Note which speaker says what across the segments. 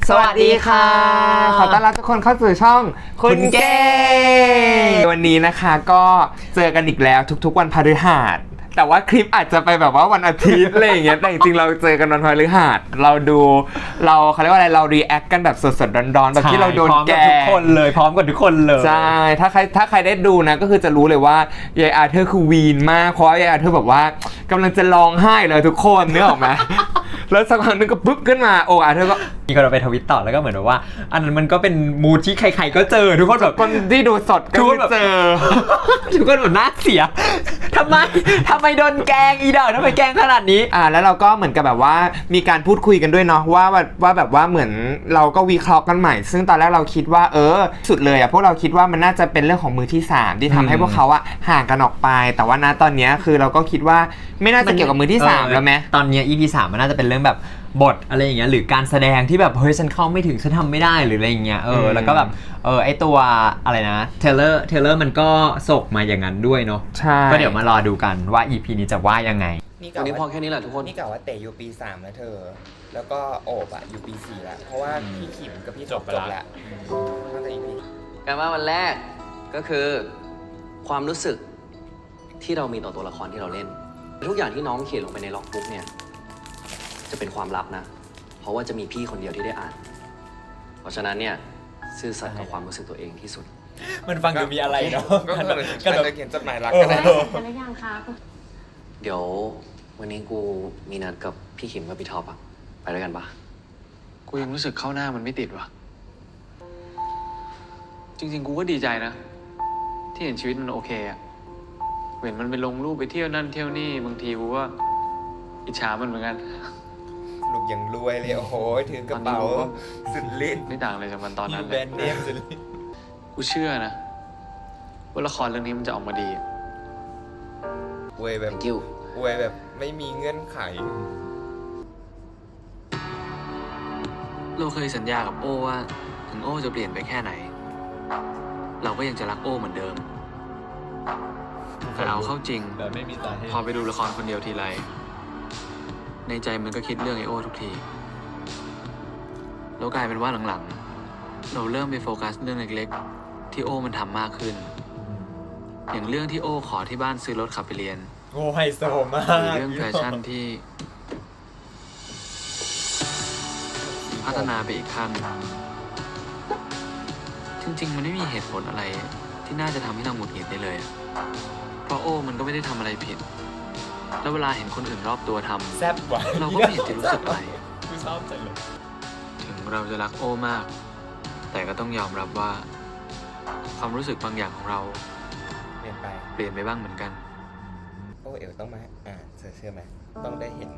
Speaker 1: สวัสดีค่ะขอต้อนรับทุกคนเข้าสู่ช่องคุณเก้วันนี้นะคะก็เจอกันอีกแล้วทุกๆวันพฤหัสแต่ว่าคลิปอาจจะไปแบบว่าวันอาทิตย์อะไรอย่างเงี้ยแต่จริงๆเราเจอกันวันพฤหัสเขาเรียกว่าอะไรเรารีแอคกันแบบสดๆร้อนๆแบบที่เราโดนแกล้งทุกคนเลยพร้อมกันทุกคนเลยใช่ถ้าใครได้ดูนะก็คือจะรู้เลยว่ายายอาเธอร์คือวีนมากเพราะยายอาเธอร์แบบว่ากำลังจะร้องไห้เลยทุกคนนึกออกไหมแล้วสักพักนึงก็ปุ๊บขึ้นมาโอ้อาเธอร์ก็
Speaker 2: มีคนเอาไปทวิตต่อแล้วก็เหมือนว่าอันนั้นมันก็เป็นมูดที่ใครๆก็เจอทุกคนแบบ
Speaker 1: คนที่ดูสดก็เจอ
Speaker 2: ทุกคนแบบน่าเสียทำไมโดนแกล้งอีดอกทำไมแกล้งขนาดนี้
Speaker 1: แล้วเราก็เหมือนกับแบบว่ามีการพูดคุยกันด้วยเนาะว่าแบบว่าเหมือนเราก็วิเคราะห์กันใหม่ซึ่งตอนแรกเราคิดว่าสุดเลยพวกเราคิดว่ามันน่าจะเป็นเรื่องของมือที่3ที่ทำให้พวกเขาห่างกันออกไปแต่ว่าณตอนนี้คือเราก็คิดว่าไม่น่าจะเกี่ยวกับมือที่3แล้วไหม
Speaker 2: ตอนนี้ EP 3มันน่าจะเป็นเรื่องแบบบทอะไรอย่างเงี้ยหรือการแสดงที่แบบเฮ้ยฉันเข้าไม่ถึงฉันทำไม่ได้หรืออะไรอย่างเงี้ยแล้วก็แบบไอตัวอะไรนะเทเลอร์มันก็ส่งมาอย่างนั้นด้วยเนาะ
Speaker 1: ใช่
Speaker 2: ก็เดี๋ยวมารอดูกันว่า EP นี้จะว่ายังไง
Speaker 3: วันนี้พอแค่นี้แหละทุกคน
Speaker 1: นี่กล่าวว่าเตะอยู่ปี3แล้วเธอแล้วก็โอบอยู่ปี4แล้วเพราะว่าพี่ขิมกับพี่จบแล้วตั้งแต่ EP
Speaker 3: การว่าวันแรกก็คือความรู้สึกที่เรามีต่อตัวละครที่เราเล่นทุกอย่างที่น้องเขียนลงไปในล็อกบุ๊กเนี่ยจะเป็นความลับนะเพราะว่าจะมีพี่คนเดียวที่ได้อ่านเพราะฉะนั้นเนี่ยซื่อสัตย์กับความรู้สึกตัวเองที่สุด
Speaker 2: มันฟังดูมีอะไรเนาะ
Speaker 1: ก็จะเขียนจดหมายรักก็ได้
Speaker 4: กันหรือยังคะ
Speaker 3: เดี๋ยววันนี้กูมีนัดกับพี่ขิมกับพี่ท็อปไปด้วยกันปะ
Speaker 5: กูยังรู้สึกเข้าหน้ามันไม่ติดว่ะจริงๆกูก็ดีใจนะที่เห็นชีวิตมันโอเคอะเห็นมันไปลงรูปไปเที่ยวนั่นเที่ยวนี่บางทีกูก็อิจฉามันเหมือนกัน
Speaker 1: ลูกยังรวยเลยโอ้โหถือกระเป๋าสุดฤทธิ์
Speaker 5: ไม่ต่างอะไรจากมันตอนนั้น
Speaker 1: แบรนด์เนมสุดฤทธิ์
Speaker 5: กูเชื่อนะว่าละครเรื่องนี้มันจะออกมาดี
Speaker 1: อวยแบบไม่มีเงื่อนไข
Speaker 5: เราเคยสัญญากับโอ้ว่าถึงโอ้จะเปลี่ยนไปแค่ไหนเราก็ยังจะรักโอ้เหมือนเดิมแต่เอาเข้าจริงพอไปดูละครคนเดียวทีไรในใจมันก็คิดเรื่องไอโอ้ทุกทีแล้วกลายเป็นว่าหลังๆเราเริ่มไปโฟกัสเรื่องเล็กๆที่โอ้มันทำมากขึ้นอย่างเรื่องที่โอ้ขอที่บ้านซื้อรถขับไปเรียน
Speaker 2: โอ้ไฮโซมาก
Speaker 5: หรือเรื่องแฟชั่นที่พัฒนาไปอีกขั้นจริงๆมันไม่มีเหตุผลอะไรที่น่าจะทำให้เราหงุดหงิดได้เลยเพราะโอ้มันก็ไม่ได้ทำอะไรผิดแล้วเวลาเห็นคนอื่นรอบตัวทำ
Speaker 2: แซ่บกว่า
Speaker 5: เราก็ไม่เห็นจะรู้สึกอะไรถึงเราจะรักโอ้มากแต่ก็ต้องยอมรับว่าความรู้สึกบางอย่างของเราเปลี่ยนไปบ้างเหมือนกัน
Speaker 1: โอ้เอ๋ต้องมาเชื่อไหมต้องได้เห็น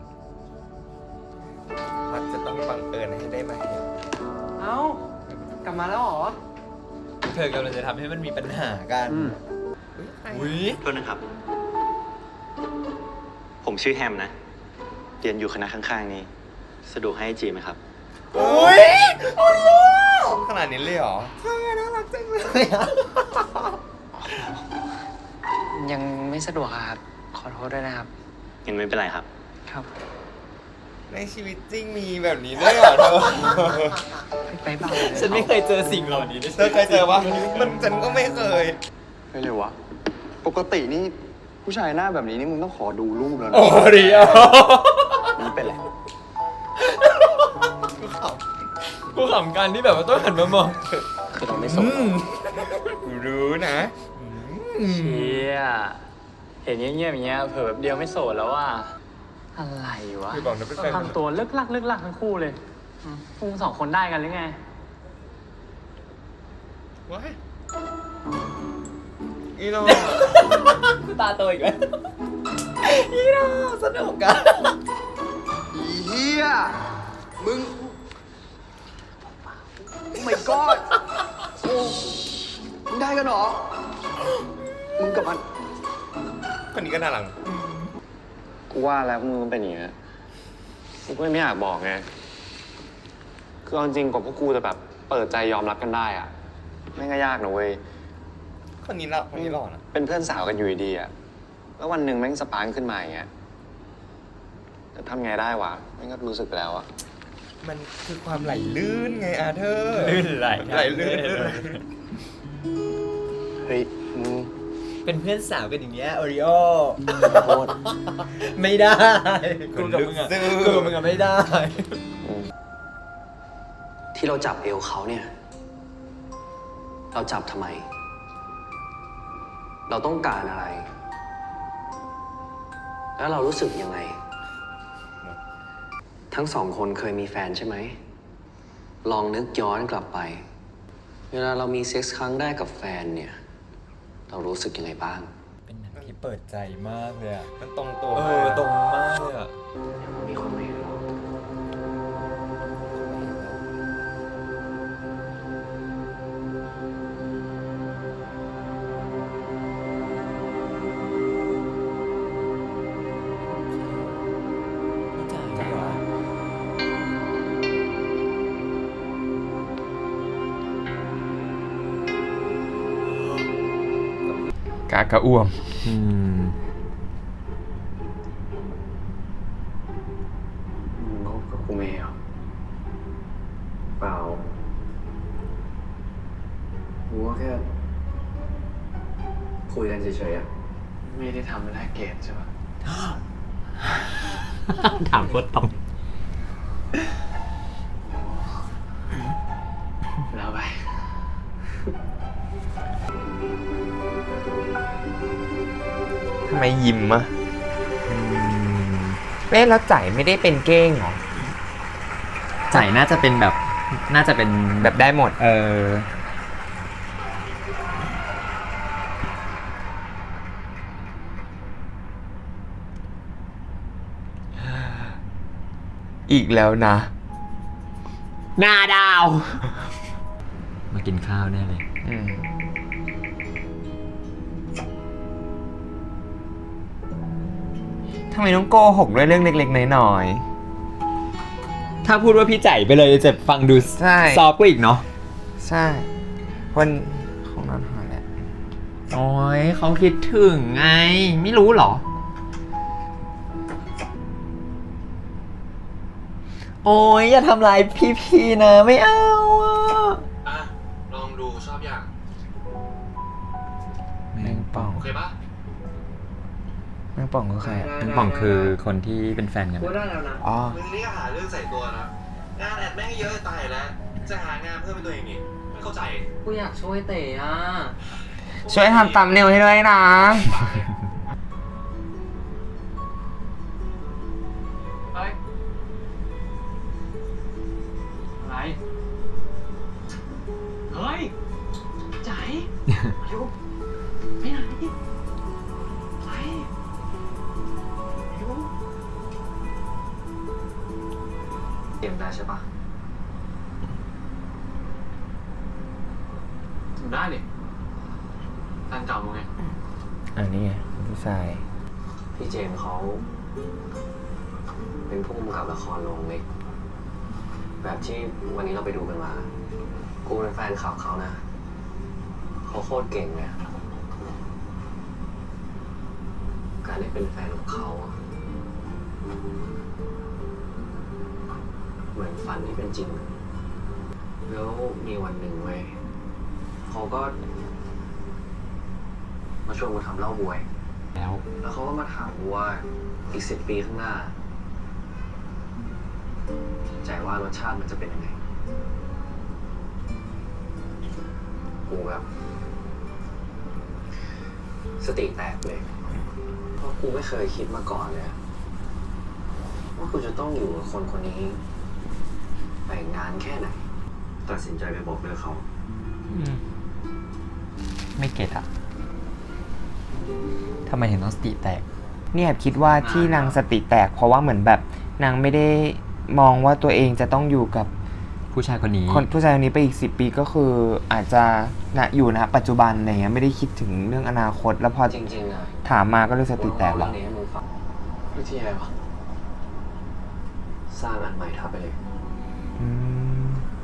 Speaker 1: พัดจะต้องบังเอิญให้ได้มาเห็น
Speaker 3: เอ้ากลับมาแล้วเหรอ
Speaker 2: เธอกำลังจะทำให้มันมีปัญหากัน
Speaker 3: อุ้ยโทษนะครับผมชื่อแฮมนะเรียนอยู่คณะข้างๆนี้สะดวกให้จีไหมครับ
Speaker 1: อุ้ยขนาดนี้เลยเหรอใช่น่ารักจังเลย
Speaker 3: ยังไม่สะดวกครับขอโทษด้วยนะครับยังไม่เป็นไรครับครับ
Speaker 1: ในชีวิตจริงมีแบบนี้ด้วยเหรอเธอ
Speaker 3: ไปบ้าง
Speaker 2: ฉันไม่เคยเจอสิ่งเหล่านี้
Speaker 1: เธอเคยเจอปะฉันก็ไม่เคย
Speaker 6: ไม่เลยวะปกตินี่ผู้ชายหน้าแบบนี้นี่มึงต้องขอดูรูปแล้วนะ
Speaker 1: โอ้ดีอ่ะ
Speaker 6: มันเป็นไร
Speaker 2: กูขำกันที่แบบว่าต้องหันมามอง
Speaker 3: คือเราไม่สน
Speaker 1: รู้นะ
Speaker 5: เชี่ยเห็นเงียบๆอย่างเงี้ยเผื่อแบบเดียวไม่โสดแล้วว่าอะไรวะทำตัวเลิกลักทั้งคู่เลยพวก2 คนได้กันหรือไง
Speaker 1: ว้ายอีโน่
Speaker 2: ตาโตอีกแล้วอีโน่สนุกกัน
Speaker 6: อีเหี้ยมึง Oh my god โอ้มึงได้กันเหรอมึงกับมัน
Speaker 1: คนนี้ก็น่ารัก
Speaker 6: กูว่าแล้วมึงเป็นอย่างเงี้ยกูก็ไม่อยากบอกไงคือเอาจริงกว่าพวกกูจะแบบเปิดใจยอมรับกันได้อะไม่ง่ายยากนะเว้ย
Speaker 1: คนนี้หล่อนะ
Speaker 6: เป็นเพื่อนสาวกันอยู่ดีอะแล้ววันหนึ่งแม่งสปาร์คขึ้นมาอย่างเงี้ยจะทำไงได้วะแม่งก็รู้สึกไปแล้วอะ
Speaker 1: มันคือความไหลลื่นไงอาเธอร์
Speaker 2: ลื่นไหล
Speaker 1: ไหลลื่น
Speaker 6: เฮ้ยมึง
Speaker 2: เป็นเพื่อนสาวกันอย่างเงี้ยโอริโอ
Speaker 6: ขอโทษ
Speaker 2: ไม่ได้
Speaker 1: กูกับมึงอะ
Speaker 2: กูกับมึงอะไม่ได้
Speaker 3: ที่เราจับเอวเขาเนี่ย เราจับทำไม เราต้องการอะไร แล้วเรารู้สึกยังไง ทั้งสองคนเคยมีแฟนใช่ไหม ลองนึกย้อนกลับไป เวลาเรามีเซ็กส์ครั้งแรกกับแฟนเนี่ย เรารู้สึกยังไงบ้าง
Speaker 2: เป็นหนังที่เปิดใจมากเลยอะ
Speaker 1: มันตรงตัว
Speaker 2: ตรงมากเลยอะ
Speaker 3: มีคนไม่รู้
Speaker 2: ใจวะ
Speaker 1: กากระอ่วม
Speaker 3: มึงคบกับกูเมย์เหรอเปล่ากูก็แค่คุยกันเฉยๆอะไม่ได้ทำเป็นแพ็กเกจใช่ปะ
Speaker 2: ถามโคตรตรง
Speaker 3: แล้วไป
Speaker 1: ทำไมยิ้มอะแล้วจ่ายไม่ได้เป็นเก้งเหรอ
Speaker 2: ใจน่าจะเป็นแบบน่าจะเป็น
Speaker 1: แบบได้หมด อีกแล้วนะ
Speaker 2: นาดาว มากินข้าวแน่เลย
Speaker 1: ทำไมต้องโกหกด้วยเรื่องเล็กๆน้อย
Speaker 2: ถ้าพูดว่าพี่ใจไปเลยจะฟังดู
Speaker 1: ใช่
Speaker 2: ซอฟต์กว่าอีกเนาะ
Speaker 1: ๆ ใช่วันของนอนหายแหละ
Speaker 2: โอ้ยเขาคิดถึงไง ไม่รู้เหรอ โอ้ยอย่าทำลายพี่ๆนะไม่เอาอ่ะ
Speaker 3: อ่ะ ลองดูชอบอย่าง
Speaker 1: แมงป่อง
Speaker 3: โอเคปะ
Speaker 1: แมงป่องคือใครอะ
Speaker 2: น้องป่องคือคนที่เป็นแฟนกัน
Speaker 3: กูได้แล้วนะ
Speaker 1: อ๋อ
Speaker 4: มึงนี่ก็หาเรื่องใส่ตัวนะ งานแอดแม่งเยอะจะตายแล้ว จะหางานเพิ่มเป็นตัวเองอีกไม่เข้าใจ
Speaker 5: กูอยากช่วยเต๋อ่ะ
Speaker 1: ช่วยทำตำเนวให้ด้วยนะ
Speaker 5: ไปอะไร เฮ้ย ใจอายุไปไหนไปอายุ
Speaker 3: เตรียมได้ใช่ปะ
Speaker 5: ทำได้ดิแฟนเก่ามึงไง
Speaker 1: อันนี้ไงพี่ชาย
Speaker 3: พี่เจมส์เขาเป็นผู้กำกับละครโรงเล็ก แบบที่วันนี้เราไปดูกันมา กูเป็นแฟนคลับเขานะ เขาโคตรเก่งเลยการได้เป็นแฟนของเขาอะเหมือนฝันที่เป็นจริง แล้วมีวันหนึ่งเว้ยเขาก็มาชวนกูทำเหล้าบวย แล้วเขาก็มาถามกูว่าอีก10 ปีข้างหน้า ใจว่ารสชาติมันจะเป็นยังไง กูแบบสติแตกเลย เพราะกูไม่เคยคิดมาก่อนเลยอะว่ากูจะต้องอยู่กับคนคนนี้ไปงานแค่ไหน ตัดสินใจไปบอกเลิกเขา
Speaker 2: ไม่เก็ตอะทำไมถึงต้องสติแตก
Speaker 1: เนี่ยคิดว่าที่นางสติแตกเพราะว่าเหมือนแบบนางไม่ได้มองว่าตัวเองจะต้องอยู่กับ
Speaker 2: ผู้ชายคนนี้
Speaker 1: คนผู้ชายคนนี้ไปอีก10 ปีก็คืออาจจะอยู่นะปัจจุบันอะไรเงี้ยไม่ได้คิดถึงเรื่องอนาคต แล้วพอ
Speaker 3: จริงๆอะ
Speaker 1: ถามมาก็เลยสติแตก
Speaker 3: เรื่
Speaker 1: ว่ะ
Speaker 3: องนี้ให้มึงฟังวิธีอะไรวะสร้างอันใหม่ทับไปเลย
Speaker 1: อืม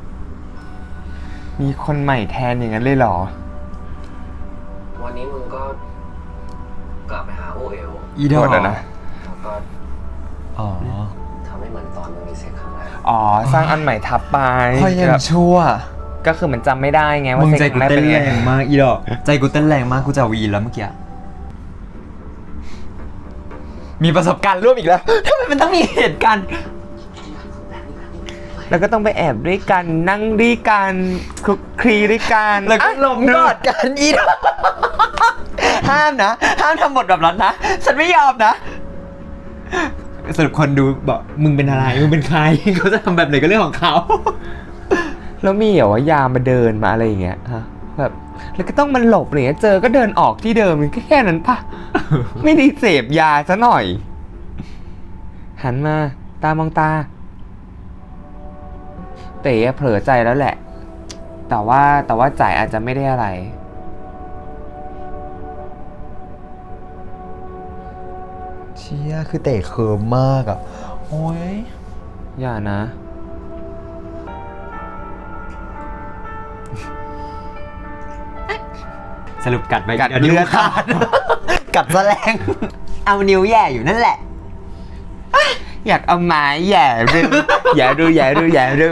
Speaker 1: มีคนใหม่แทนอย่างนั้นเลยเหรอ
Speaker 3: วันนี้มึงก็กลับไปหาโอเอล
Speaker 2: อีดอ
Speaker 1: โทษนะ
Speaker 3: แล้วก็
Speaker 2: อ๋อ
Speaker 3: ทำให้เหมือนตอนมึงมีเซ็กครั้งแรก
Speaker 1: อ๋อสร้างอันใหม่ทับไป
Speaker 2: พอยัง
Speaker 1: แบบ
Speaker 2: ชั่ว
Speaker 1: ก็คือมันจำไม่ได้ไงว่า
Speaker 2: มึง
Speaker 1: เซ็
Speaker 2: ใจ
Speaker 1: ก
Speaker 2: กู
Speaker 1: แรก
Speaker 2: เต้
Speaker 1: เป็น น
Speaker 2: แร
Speaker 1: ไง
Speaker 2: งมากอีดอกใจกูเต้นแรงมากกูจะวีนแล้วเมื่อกี้มีประสบการณ์ร่วมอีกแล้วทำไมมันต้องมีเหตุการณ์
Speaker 1: แล้วก็ต้องไปแอบด้วยกันนั่งด้วยกันคลุกคลีด้วยกัน
Speaker 2: แล้วก็
Speaker 1: อ่ะ
Speaker 2: หลมกอดกันอีดอกห้ามนะ ห้ามทำบทแบบนั้นนะ ฉันไม่ยอมนะ สรุปคนดูบอกมึงเป็นอะไร มึงเป็นใคร เขาจะทำแบบไหนก็เรื่องของเขา
Speaker 1: แล้วมีเหรอว่ายามมาเดินมาอะไรอย่างเงี้ยฮะแบบแล้วก็ต้องมันหลบอะไรเงี้ยเจอก็เดินออกที่เดิมแค่นั้นปะ ไม่ได้เสพยาซะหน่อย หันมาตามองตาเต๋เผลอใจแล้วแหละ แต่ว่าจ่ายอาจจะไม่ได้อะไร
Speaker 2: เชี่ยคือเตะเคิร์มมากอ่ะ โอ้ย
Speaker 1: อย่านะ
Speaker 2: สรุปกัดไป
Speaker 1: กัด
Speaker 2: ยวนิ้ว
Speaker 1: เลือด
Speaker 2: ขาด กัดแสลง เอานิ้วแย่อยู่นั่นแหละ
Speaker 1: อยากเอาไม้แหย่ดู อย่าดูอย่าดูอย่าดู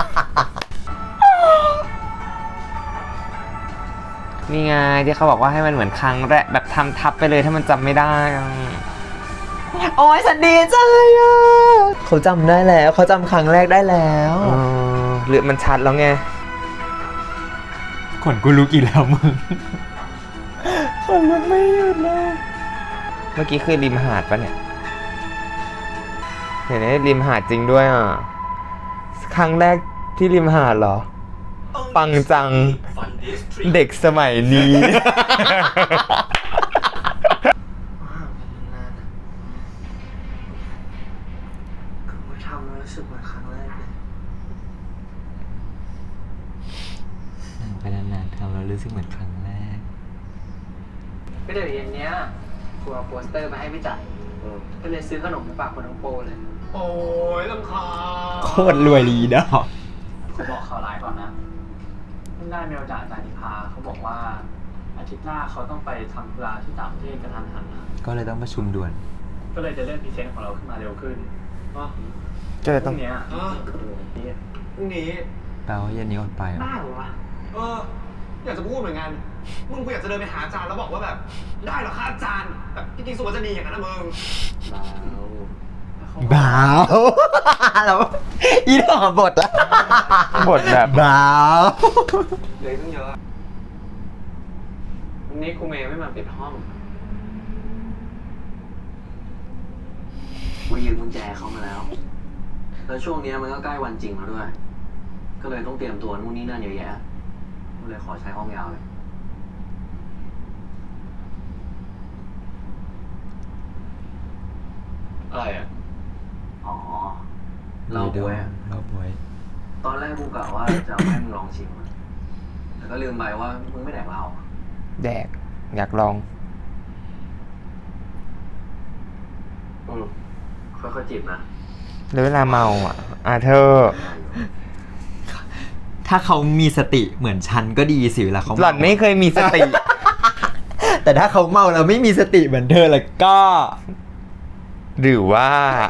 Speaker 1: นี่ไงที่เขาบอกว่าให้มันเหมือนครั้งแรกแบบทำทับไปเลยถ้ามันจำไม่ได้อะ
Speaker 2: โอ้ยฉันดีใจอ่ะเขาจำได้แล้วเขาจำครั้งแรกได้แล้ว
Speaker 1: หรือมันชัดแล้วไง
Speaker 2: ขนกูลุกอีกแล้วมึง ขนลุกไม่หยุดเลย
Speaker 1: เมื่อกี้คือริมหาดปะเนี่ยเห็นไหมริมหาดจริงด้วยอ่ะ ครั้งแรกที่ริมหาดเหรอ ปังจัง เด็กสมัยนี้
Speaker 5: คือทำแล้วรู้สึกเหมือนครั้งแรกเลย
Speaker 2: นั่งไปนานๆทำแล้วรู้สึกเหมือนครั้งแรก
Speaker 5: ก็เดี๋ยวเย็นเนี้ยกูเอาโปสเตอร์มาให้พี่จ่ายก็เลยซื้อขนมมาฝากคนทั้งโปรเลย
Speaker 4: โอ้ยลำคาญ
Speaker 2: โคตรรวยดีดอก
Speaker 5: กูบอกข่าวร้ายก่อนนะเพิ่งได้เมลจากอาจารย์นิพาเขาบอกว่าอาทิตย์หน้าเขาต้องไปทำธุระที่ต่างประเทศกระทันหันนะ
Speaker 2: ก็เลยต้องประชุมด่วน
Speaker 5: ก็เลยจะเลื่อนพรีเซนต์ของเราขึ้นมาเร็วขึ้น
Speaker 1: ก็เลย
Speaker 5: พ
Speaker 1: ต้อ
Speaker 5: รุ่
Speaker 1: ง
Speaker 5: งเนี้ย
Speaker 4: พรุ่งนี้
Speaker 2: แปลว่าเย็นนี้อดไปเหรอ
Speaker 5: ได้เหรอวะ
Speaker 4: อยากจะพูดเหมือนกัน มึงกูอยากจะเดินไปหาอาจารย์แล้วบอกว่าแบบ ได้เหรอคะอาจารย์ แบบจริงๆสุวรรณจะดีอย่างนั้นนะมึง
Speaker 2: บ้าวแล้วอีดอกบทละ
Speaker 1: บทแบบ
Speaker 2: บ้าว
Speaker 5: เลยต้องเยอะวันนี้ครูเมย์ไม่มาปิดห้องกูยืมกุญแจเขามาแล้ว แล้วช่วงเนี้ยมันก็ใกล้วันจริงแล้วด้วย ก็เลยต้องเตรียมตัวนู่นนี่นั่นเยอะแยะก็เลยขอใช้ห้องยาวเลย
Speaker 4: อะไรอ่ะ
Speaker 5: อ๋อ เราบวยอะ
Speaker 2: เราบวย
Speaker 5: ตอนแรกกูกะว่าจะเอาให้มึงลองชิมอะแต่ก็ลืมไปว่ามึงไม่แดกเหล้าอะ
Speaker 1: แดก อยากลอง
Speaker 5: ค่อยๆจิบนะ
Speaker 1: แล้วเวลาเมาอ่ะเธอ
Speaker 2: ถ้าเขามีสติเหมือนฉันก็ดีสิเวลาเขา
Speaker 1: หล่อนไม่เคยมีสติ
Speaker 2: แต่ถ้าเขาเมาแล้วไม่มีสติเหมือนเธอแล้วก็
Speaker 1: หรือว่า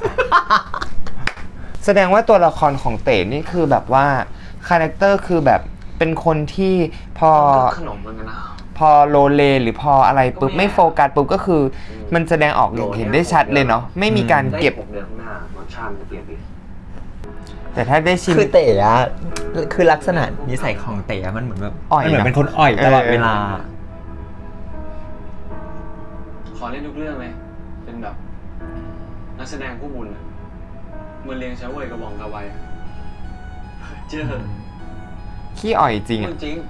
Speaker 1: แสดงว่าตัวละครของเต๋นี่คือแบบว่าคาแรคเตอร์คือแบบเป็นคนที่พอ
Speaker 5: ขนมเหมือนกันนะ
Speaker 1: พอโลเลหรือพออะไรปุ๊บไม่โฟกัสปุ๊บก็คือ มันแสดงออกอย่างเห็นได้ชัดเลยเนาะไม่มีการเก็บ
Speaker 5: ได้6 เดือนข้างหน้ารสชาติมันจะเปลี่ยนไป
Speaker 1: แต่ถ้าได้ชิม
Speaker 2: คือเต๋อะคือลักษณะนิสัยของเต๋อะมันเหมือนแบบ
Speaker 1: อ่อย
Speaker 2: มันเหมือน
Speaker 1: เนอะ
Speaker 2: เป็นคนอ่อยตลอดเวลา
Speaker 5: ขอเล่นทุกเรื่องเลย เป็นแบบ นักแสดงผู้บุญอะเหมือนเลี้ยงเช้าเวยกระบองกระไวอะเจอ
Speaker 1: ขี้อ่อยจริง
Speaker 5: จ
Speaker 1: อะ
Speaker 5: ริง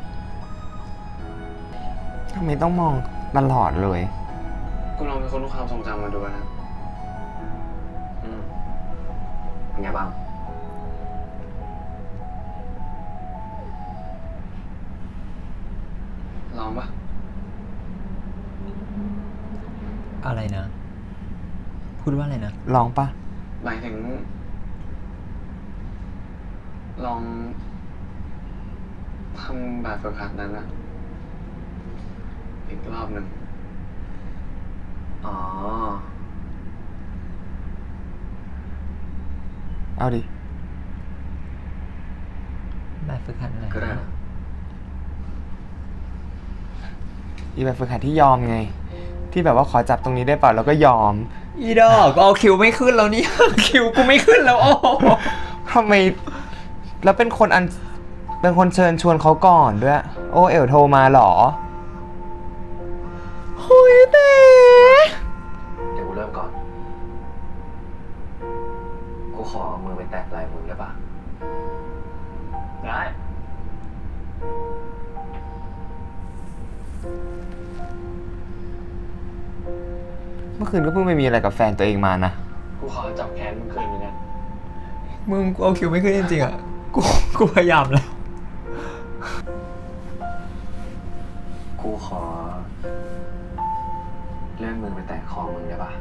Speaker 1: ทำไมต้องมองตลอดเลย
Speaker 5: กูลองเป็นคนรู้ความทรงจำมาดูนะเป็นไงบ้าง ลองปะ
Speaker 2: อะไรนะ พูดว่าอะไรนะ
Speaker 1: ลองปะ
Speaker 5: หมายถึง ลองทำแบบฝึกหัดนั้นนะอีกรอบหนึ่งอ๋อ
Speaker 1: เอาดิ
Speaker 2: แบบฝึกหัดอะไร
Speaker 3: ก็ได้นะ
Speaker 1: อีแบบฝึกหัดที่ยอมไง ที่แบบว่าขอจับตรงนี้ได้เปล่าแล้วก็ยอม
Speaker 2: อีดอกเอาคิวไม่ขึ้นแล้วเนี่ย คิวกูไม่ขึ้นแล้วโอ้
Speaker 1: ทำไมแล้วเป็นคนเชิญชวนเขาก่อนด้วย โอเอ๋วโทรมาเหรอโอ้ยเต้
Speaker 3: เดี๋ยวกูเริ่มก่อน กูขอเอามือไปแตะไหล่มึงได้ปะ
Speaker 6: ได้
Speaker 1: เมื่อคืนก็เพิ่งไปมีอะไรกับแฟนตัวเองมานะ
Speaker 6: กูขอจับแขนมึงคืนนี้นะ
Speaker 2: มึงกูเอาคิวไม่ขึ้นจริงๆอ่ะ กูพยายามแล้ว
Speaker 3: กูขอเลื่อนมือไปแตะคอมึงได้ปะ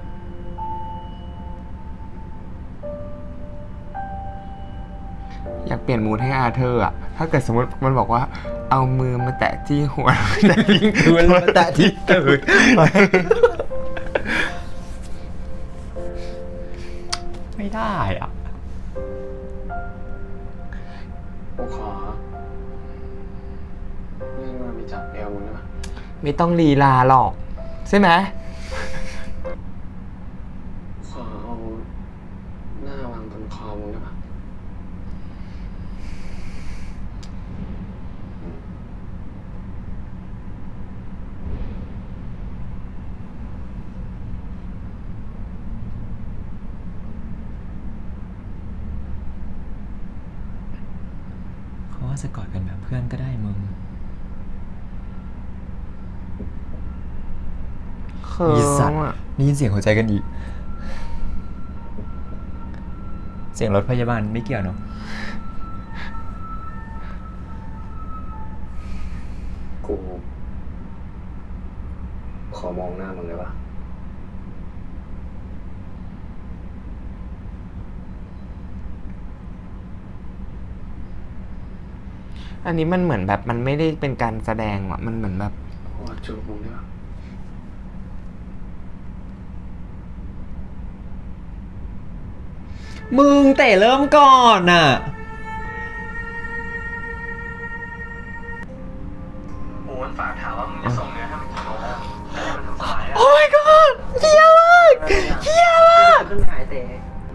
Speaker 1: อยากเปลี่ยนมูดให้อาเธอร์อะถ้าเกิดสมมติมันบอกว่าเอามือมาแตะที่หัว แต่ทิ้งคืนมาแตะที่ตื่น
Speaker 2: ไม่ได้อ่ะ
Speaker 6: กูขอเลื่อนมือไปจับเอวมึงได้ปะ
Speaker 1: ไม่ต้องลีลาหรอก ใช่ไหม
Speaker 6: ขอเอาหน้าวางบนคอมึงได้ปะ
Speaker 2: เขาว่าจะกอดกันแบบเพื่อนก็ได้มึง
Speaker 1: เขิ
Speaker 2: อีสัต
Speaker 1: น
Speaker 2: ว์
Speaker 1: อะ
Speaker 2: ได้ยินเสียงหัวใจกันอีก เสียงรถพยาบาลไม่เกี่ยวเนาะ
Speaker 3: กูขอมองหน้ามึงได้ปะ
Speaker 1: อันนี้มันเหมือนแบบมันไม่ได้เป็นการแสดงว่ะมันเหมือนแบบ
Speaker 6: ขอจูบมึงได้ปะ
Speaker 2: มึงเตะเริ่มก่อนอ่ะ
Speaker 6: โอ้ยฝากถามว่ามึงจะส่งเนื้อให้มันกี่โมงแล้วให้มันทำสายอ่ะ
Speaker 2: โอ้ my god เฮี้ยมากเฮี้ยมาก
Speaker 6: ขึ้นหายเตะ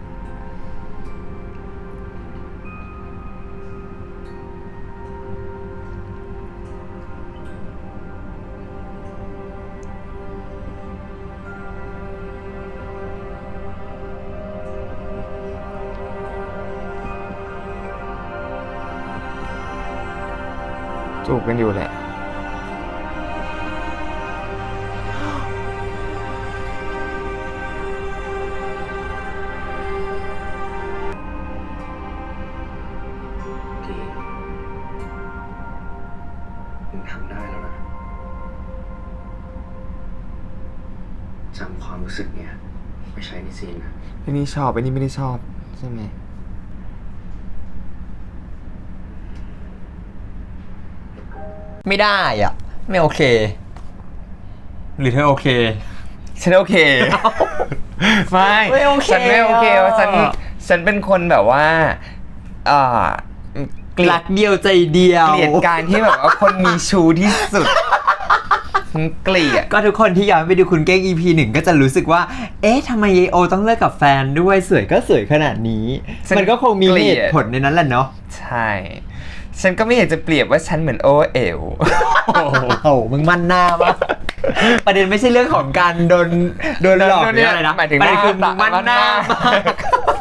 Speaker 1: จูบกันอยู่แหละ
Speaker 3: ดีมึงทำได้แล้วนะจำความรู้สึกเนี้ยไปใช้ในซีนนะ
Speaker 1: ไอ้นี่ชอบไอ้นี่ไม่ได้ชอบใช่ไหม
Speaker 2: ไม่ได้อ่ะ ไม่โอเค หรือเธอโอเค
Speaker 1: ฉันโอเค ไม่
Speaker 2: ไม่โอเค
Speaker 1: ฉันไม่โอเค
Speaker 2: อ่ะ
Speaker 1: ว่าฉันเป็นคนแบบว่าอ่าเกลีย
Speaker 2: รั
Speaker 1: ด
Speaker 2: กเดียวใจเดียว
Speaker 1: เกลียดการที่แบบว่าคนมีชูที่สุดฉันเกลียด
Speaker 2: ก็ทุกคนที่ย้อนไปดูคุณเก้ง EP 1 ก็จะรู้สึกว่า เอ๊ะทำไมยายโอต้องเลิกกับแฟนด้วยสวยก็สวยขนาดนี้
Speaker 1: ฉัน
Speaker 2: มันก็คงมี
Speaker 1: เกลี
Speaker 2: เห
Speaker 1: ยด
Speaker 2: ตุผลในนั้นแหละเนาะ
Speaker 1: ใช่ ฉันก็ไม่อยากจะเปรียบว่าฉันเหมือนโอเอ๋ว
Speaker 2: โอ้โห มึงมั่นหน้ามากประเด็นไม่ใช่เรื่องของการโดนหลอกหรืออะไรนะ
Speaker 1: หมายถึง
Speaker 2: ประเด็นคือ
Speaker 1: ห
Speaker 2: มึ
Speaker 1: น้าง
Speaker 2: มั่นหน้า
Speaker 1: หน้าม
Speaker 2: าก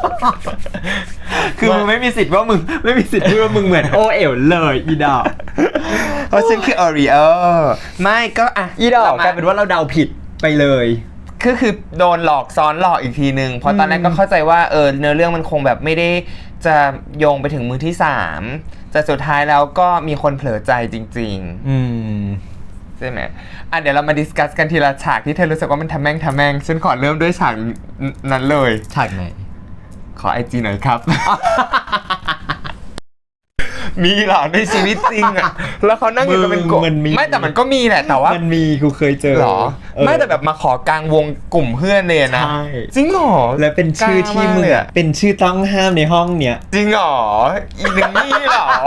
Speaker 2: คือมึงไม่มีสิทธิ์ว่ามึงไม่มีสิทธิ์พูดว่ามึงเหมือนโอเอ๋วเลยอีดอก
Speaker 1: เพราะฉันคือออริโอไม่ก็อ่ะ
Speaker 2: อีดอกกลายเป็นว่าเราเดาผิดไปเลย
Speaker 1: คือโดนหลอกซ้อนหลอกอีกทีนึงเพราะตอนแรกก็เข้าใจว่าเนื้อเรื่องมันคงแบบไม่ได้จะโยงไปถึงมือที่3แต่สุดท้ายแล้วก็มีคนเผลอใจจริง
Speaker 2: อืม
Speaker 1: ๆใช่ไหมอ่ะเดี๋ยวเรามาดิสคัสกันทีละฉากที่เธอรู้สึกว่ามันทำแม่งฉันขอเริ่มด้วยฉากนั้นเลย
Speaker 2: ฉากไหน
Speaker 1: ขอไอจีหน่อยครับมีเหรอในชีวิตจริงอ่ะแล้วเขานั่งอยู่กันเป็นกลุ่ม
Speaker 2: มันมี
Speaker 1: ไม่แต่มันก็มีแหละแต่ว่า
Speaker 2: มันมีกูเคยเจอ
Speaker 1: เหรอ
Speaker 2: เออ
Speaker 1: ไม่แต่แบบมาขอกลางวงกลุ่มเพื่อนเลยนะ
Speaker 2: ใช่
Speaker 1: จริงเหรอ
Speaker 2: และเป็นชื่อที่มึง
Speaker 1: กล้ามากเลยอะ
Speaker 2: เป็นชื่อต้องห้ามในห้องเนี้ย
Speaker 1: จริงเหรออีหนึ่งนี่เหรอ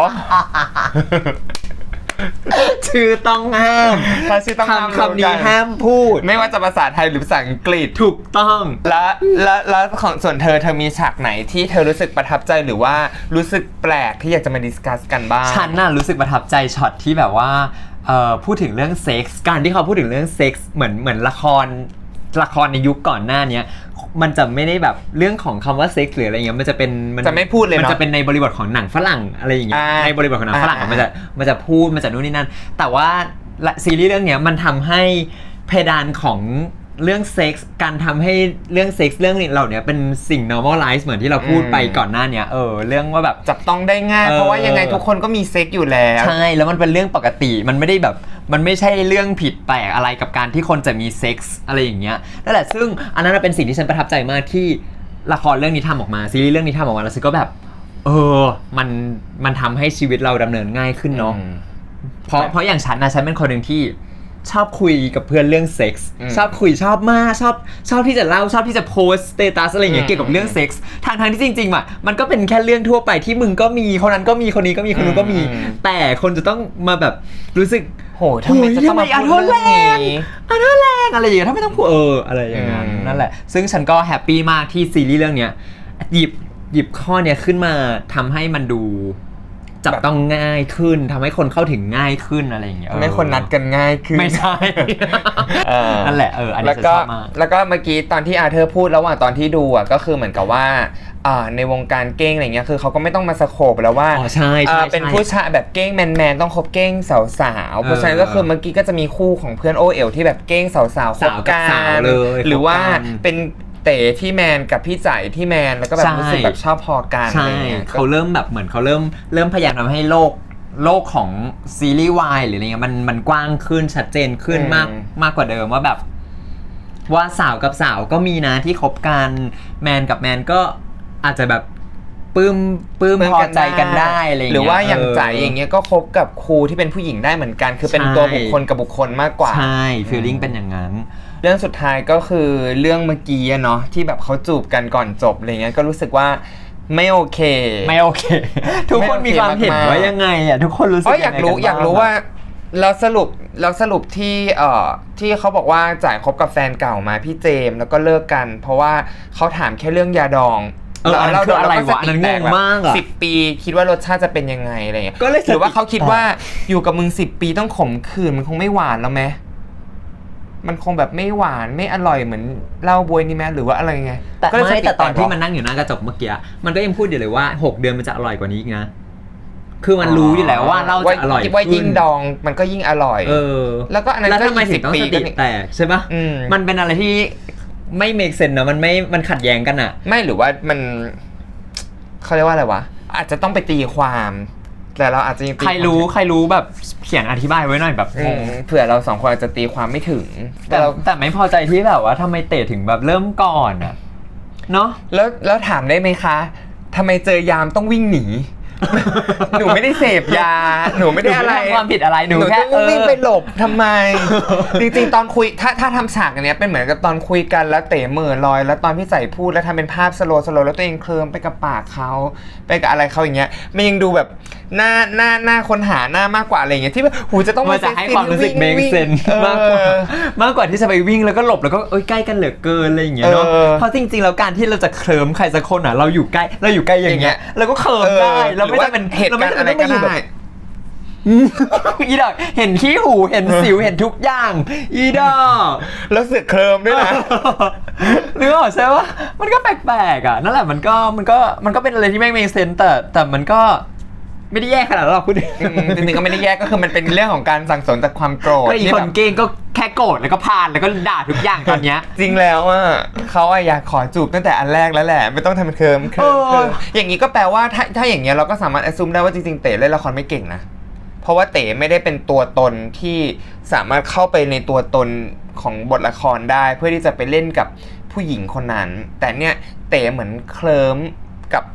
Speaker 2: ชื่อต้องห้าม
Speaker 1: ถ้าชื่อต้องห้าม
Speaker 2: คำนี้ห้ามพูด
Speaker 1: ไม่ว่าจะภาษาไทยหรือภาษาอังกฤษ
Speaker 2: ถูกต้อง
Speaker 1: แล้วของส่วนเธอมีฉากไหนที่เธอรู้สึกประทับใจหรือว่ารู้สึกแปลกที่อยากจะมาดิสคัสกันบ้าง
Speaker 2: ฉันน่ะรู้สึกประทับใจช็อตที่แบบว่าพูดถึงเรื่องเซ็กส์การที่เขาพูดถึงเรื่องเซ็กส์เหมือนละครในยุคก่อนหน้าเนี้ยมันจะไม่ได้แบบเรื่องของคำว่าเซ็กส์หรืออะไรเงี้ยมันจะเป็น
Speaker 1: จะไม่พูดเลยเนอะ
Speaker 2: มันจะเป็นในบริบทของหนังฝรั่งอะไรอย่างเงี้ย
Speaker 1: อ่า
Speaker 2: ในบริบทของหนังฝรั่ง
Speaker 1: อ่า
Speaker 2: มันจะพูดมันจะนู่นนี่นั่นแต่ว่าซีรีส์เรื่องเนี้ยมันทำให้เพดานของเรื่องเซ็กส์การทำให้เรื่องเซ็กส์เรื่องเหล่านี้เป็นสิ่ง normalize เหมือนที่เราพูดไปก่อนหน้าเนี้ยเรื่องว่าแบบ
Speaker 1: จับต้องได้ง่าย เพราะว่ายังไงทุกคนก็มีเซ็กอยู่แล้ว
Speaker 2: ใช่แล้วมันเป็นเรื่องปกติมันไม่ได้แบบมันไม่ใช่เรื่องผิดแปลกอะไรกับการที่คนจะมีเซ็กส์อะไรอย่างเงี้ยนั่นแหละซึ่งอันนั้นเป็นสิ่งที่ฉันประทับใจมากที่ละครเรื่องนี้ทำออกมาซีรีส์เรื่องนี้ทำออกมาแล้วฉันก็แบบมันทำให้ชีวิตเราดำเนินง่ายขึ้นเนาะเพราะอย่างฉันเป็นคนหนึ่งที่ชอบคุยกับเพื่อนเรื่องเซ็กส์ชอบคุยชอบมากชอบที่จะเล่าชอบที่จะโพสสเตตัสอะไรอย่างเงี้ยเกี่ยวกับเรื่องเซ็กส์ทางที่จริงๆมันก็เป็นแค่เรื่องทั่วไปที่มึงก็มีคนนั้นก็มีคนนี้ก็มีคนนู้นก็มีแต่คนจะต้องมาแบบรู้สึก
Speaker 1: โหทำไมจะต้องมาพูดเรื่องนี้
Speaker 2: อันนั้นแรงอะไรอย่างเงี้ยถ้าไม่ต้องพูดอะไรอย่างนั้นนั่นแหละซึ่งฉันก็แฮปปี้มากที่ซีรีส์เรื่องเนี้ยหยิบข้อเนี้ยขึ้นมาทำให้มันดูจับต้องง่ายขึ้นทำให้คนเข้าถึงง่ายขึ้นอะไรอย่างเงี้ย
Speaker 1: ทำให้คนนัดกันง่ายขึ้น
Speaker 2: ไม่ใช่ นั่นแหละอันนี้
Speaker 1: แล้ว
Speaker 2: ฉัน
Speaker 1: ก็
Speaker 2: ชอบมาก
Speaker 1: แล้วก็เมื่อกี้ตอนที่อาเธอร์พูดระหว่างตอนที่ดูอ่ะก็คือเหมือนกับว่าในวงการเก้งอะไรเงี้ยคือเขาก็ไม่ต้องมาสโคปแล้วว่า
Speaker 2: อ๋อใช่
Speaker 1: เป็นผู้ชายแบบเก้งแมนต้องคบเก้งสาวๆเพราะฉะนั้นก็คือเมื่อกี้ก็จะมีคู่ของเพื่อนโอเอ๋วที่แบบเก้งสาวๆคบกั
Speaker 2: สาว
Speaker 1: น
Speaker 2: เลย
Speaker 1: หรือว่า
Speaker 2: คบกัน
Speaker 1: เป็นเต๋ที่แมนกับพี่จ่ายที่แมนแล้วก็แบบรู้สึกแบบชอบพอกันอะ
Speaker 2: ใช่
Speaker 1: ไรเงี้ย
Speaker 2: เขาเริ่มแบบเหมือนเขาเริ่มพยายามทำให้โลกของซีรีส์วายหรืออะไรเงี้ยมันกว้างขึ้นชัดเจนขึ้นมากกว่าเดิมว่าแบบว่าสาวกับสาวก็มีนะที่คบกันแมนกับแมนก็อาจจะแบบปลื้มพอใจกันได้อะไรเงี้ย
Speaker 1: หรือว่าอย่างจ่ายอย่างเงี้ยก็คบกับครูที่เป็นผู้หญิงได้เหมือนกันคือเป็น
Speaker 2: ใช่
Speaker 1: ตัวบุคคลกับบุคคลมากกว่า
Speaker 2: ใช่ฟีลลิ่งเป็นอย่างนั้น
Speaker 1: เรื่องสุดท้ายก็คือเรื่องเมื่อกี้อะเนาะที่แบบเขาจูบกันก่อนจบอะไรเงี้ยก็รู้สึกว่าไม่โอเค
Speaker 2: ไม่โอเค ทุกคนมีความเห็นว่ายังไงอ่ะทุกคนรู้สึก
Speaker 1: อยากรู้ว่าแล้วสรุปที่เขาบอกว่าจ่ายคบกับแฟนเก่ามาพี่เจมส์แล้วก็เลิกกัน เพราะว่าเขาถามแค่เรื่องยาดอง
Speaker 2: อันนั้นคืออะไรวะอันนั้นงงมากอ่ะ
Speaker 1: 10 ปีคิดว่ารสชาติจะเป็นยังไงอะไรเงี้ย
Speaker 2: ก็เลย
Speaker 1: หรือว่าเขาคิดว่าอยู่กับมึง10 ปีต้องขมขื่นมันคงไม่หวานแล้วไหมมันคงแบบไม่หวานไม่อร่อยเหมือนเหล้าบวยนี่ไหมหรือว่าอะไรไง
Speaker 2: แต่
Speaker 1: ก็เลย
Speaker 2: ไม่
Speaker 1: ส
Speaker 2: แต่ตอน
Speaker 1: ก
Speaker 2: ที่มันนั่งอยู่หน้ากระจกเมื่อกี้มันก็ยังพูดอยู่เลยว่า6เดือนมันจะอร่อยกว่านี้อีกนะคือมันรู้อยู่แล้วว่าเหล้าจะอร่อย
Speaker 1: ว่า
Speaker 2: ขึ้
Speaker 1: ยิ่ง
Speaker 2: น
Speaker 1: ดองมันก็ยิ่งอร่อย แล้วก็อันนั้น
Speaker 2: แล้ว
Speaker 1: ก็
Speaker 2: ทำไมถึงต้องสติแตกใช่ปะ
Speaker 1: อืม
Speaker 2: มันเป็นอะไรที่ไม่ make sense นะมันขัดแย้งกันอ่ะ
Speaker 1: ไม่หรือว่ามันเขาเรียกว่าอะไรวะอาจจะต้องไปตีความแต่เราอาจจะยังตี
Speaker 2: ใครรู้แบบเขียนอธิบายไว้หน่อยแบบ
Speaker 1: เผื่อเราสองคนอาจจะตีความไม่ถึง
Speaker 2: แต่ไม่พอใจที่แบบว่าทำไมเตะถึงแบบเริ่มก่อนอ่ะเนาะ
Speaker 1: แล้วถามได้ไหมคะทำไมเจอยามต้องวิ่งหนี หนูไม่ได้เสพยาหนูไม่ได้อะไร
Speaker 2: หนูไม่ได้ทำความผิดอะไรหนูแค่
Speaker 1: จะวิ่งไปหลบทำไม จริงๆตอนคุยถ้าทำฉากอันเนี้ยเป็นเหมือนกับตอนคุยกันแล้วเต๋เหม่อลอย แล้วตอนพี่ใส่พูดแล้วทำเป็นภาพสโลว์แล้วตัวเองเคลิ้มไปกับปากเขาไปกับอะไรเขาอย่างเงี้ยมันยังดูแบบหน้าคนหาหน้ามากกว่าอะไรอย่างเงี้ยที่แบบหูจะต้อง
Speaker 2: มันจะให้ความรู้สึกเมคเซนมากกว่าที่จะไปวิ่งแล้วก็หลบแล้วก็ใกล้กันเหลือเกินอะไรอย่างเงี้ยเนาะเพราะจริงๆแล้วการที่เราจะเคลิ้มใครสักคนอ่ะเราอยู่ใกล้อย่างเงี้ยเราก็เคลิ้มได้เราไม่ได้เป็น
Speaker 1: เหตุการณ์อะไรก็ได้
Speaker 2: อีดอกเห็นขี้หูเห็นสิวเห็นทุกอย่างอีดอก
Speaker 1: แล้วเสือกเคลิ้มด้วยนะ
Speaker 2: นึกออกใช่ปะมันก็แปลกๆอ่ะนั่นแหละมันก็เป็นอะไรที่ไม่ make sense แต่มันก็ไม่ได้แย่ขนาดนั้นหรอกพูด
Speaker 1: จริงๆก็ไม่ได้แยกก็คือมันเป็นเรื่องของการสั่งสมจากความโกรธ
Speaker 2: ก็อี
Speaker 1: ที่
Speaker 2: ค
Speaker 1: แบ
Speaker 2: น
Speaker 1: บ
Speaker 2: เก่งก็แค่โกรธแล้วก็พานแล้วก็ด่าทุกอย่างตอนเนี้ย
Speaker 1: จริงแล้วอ่ะเขาอยากขอจูบตั้งแต่อันแรกแล้วแหละไม่ต้องทำเป็นเคิมอย่างนี้ก็แปลว่าถ้าอย่างเงี้ยเราก็สามารถแอสซูมได้ว่าจริงๆเต๋เล่นละครไม่เก่งนะเพราะว่าเต๋ไม่ได้เป็นตัวตนที่สามารถเข้าไปในตัวตนของบทละครได้เพื่อที่จะไปเล่นกับผู้หญิงคนนั้นแต่เนี่ยเต๋เหมือนเคลิ้มกับ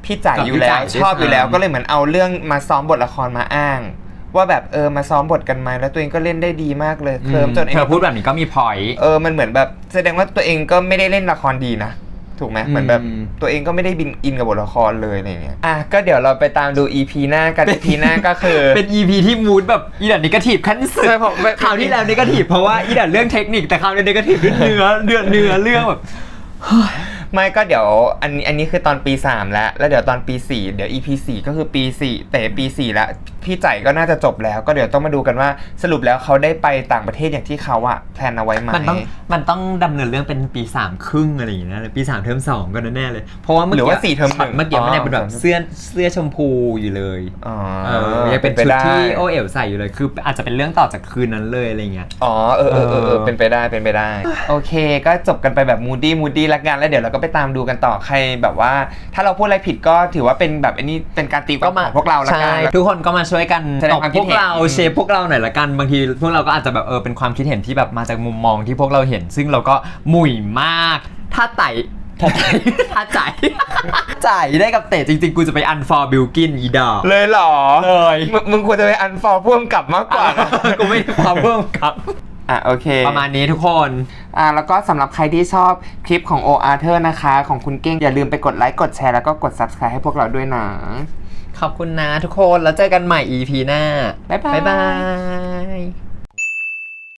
Speaker 1: พี่จ่ายอยู่แล้ว
Speaker 2: กับพี่จ่าย
Speaker 1: ชอบอยู่แล้ว
Speaker 2: ด้วยซ้ำ
Speaker 1: ก็เลยเหมือนเอาเรื่องมาซ้อมบทละครมาอ้าง ว่าแบบมาซ้อมบทกันไหมแล้วตัวเองก็เล่นได้ดีมากเลยเคลิ้มจน
Speaker 2: เธอพูดแบบนี้ก็มีพอยต์
Speaker 1: มันเหมือนแบบแสดงว่าตัวเองก็ไม่ได้เล่นละครดีนะถูกไหมเหมือนแบบตัวเองก็ไม่ได้อินกับบทละครเลยอะไรเงี้ยก็เดี๋ยวเราไปตามดู EP หน้ากัน EP หน้าก็คือ
Speaker 2: เป็น EP ที่มูดแบบอีดันนิเกทีฟขั้นสุด
Speaker 1: ใช่ผม
Speaker 2: คราวที่แล้วนิเกทีฟเพราะว่าอีดันเรื่องเทคนิคแต่คราวนี้นิเกทีฟเรื่องเนื้อเรื่องแบบ
Speaker 1: ไม่ก็เดี๋ยวอันนี้คือตอนปี 3 แล้วเดี๋ยวตอนปี 4 เดี๋ยว EP 4 ก็คือปี 4 แต่ปี 4 แล้วพี่ใจก็น่าจะจบแล้วก็เดี๋ยวต้องมาดูกันว่าสรุปแล้วเขาได้ไปต่างประเทศอย่างที่เขาแพลนเอาไว้ไหม
Speaker 2: มันต้องดำเนินเรื่องเป็นปี3ครึ่งอะไรอย่างเงี้ยปี3เทอม2ก็แน่ๆเลยเพราะว่าเมื่อ
Speaker 1: หรือ
Speaker 2: กี้
Speaker 1: ว่า4เทอม
Speaker 2: ช็อต
Speaker 1: 1
Speaker 2: เมื่อกี้มันยังเป็นแบบเสื้อชมพูอยู่เลย ยังเป็นชุดที่โอเอ๋วใส่อยู่เลยคืออาจจะเป็นเรื่องต่อจากคืนนั้นเลยอะไรเงี้ย
Speaker 1: เป็นไปได้โอเคก็จบกันไปแบบมูดี้ละกันแล้วเดี๋ยวเราก็ไปตามดูกันต่อใครแบบว่าถ้าเราพูดอะไรผิดก็ถือว่าเป็นแบบอันนี้เป็นการตีความของพวกเราละกัน
Speaker 2: ใช่ทุกคนก็มาช่วยกัน
Speaker 1: แสด
Speaker 2: ต
Speaker 1: ง
Speaker 2: บ
Speaker 1: ความคิ
Speaker 2: พ
Speaker 1: ด
Speaker 2: วก
Speaker 1: เห็น
Speaker 2: เราเชฟพวกเราหน่อยละกันบางทีพวกเราก็อาจจะแบบเป็นความคิดเห็นที่แบบมาจากมุมมองที่พวกเราเห็น ซึ่งเราก็หมุ่ยมากถ้าจ่ายได้กับเตะจริงๆกูจะไปอันฟอร์บิลกินอีดอก
Speaker 1: เลยเหรอ
Speaker 2: เลย
Speaker 1: มึงควรจะไปอันฟอลพ่วงกลับมากกว่านะ
Speaker 2: กูไม่ได้ความเพิ่มครับ
Speaker 1: โอเค
Speaker 2: ประมาณนี้ทุกคน
Speaker 1: แล้วก็สำหรับใครที่ชอบคลิปของ O Arthur นะคะของคุณเก้งอย่าลืมไปกดไลค์กดแชร์แล้วก็กด Subscribe ให้พวกเราด้วยนะ
Speaker 2: ขอบคุณนะทุกคนแล้วเจอกันใหม่ EP หน้า
Speaker 1: บ๊ายบาย
Speaker 2: บ๊ายบาย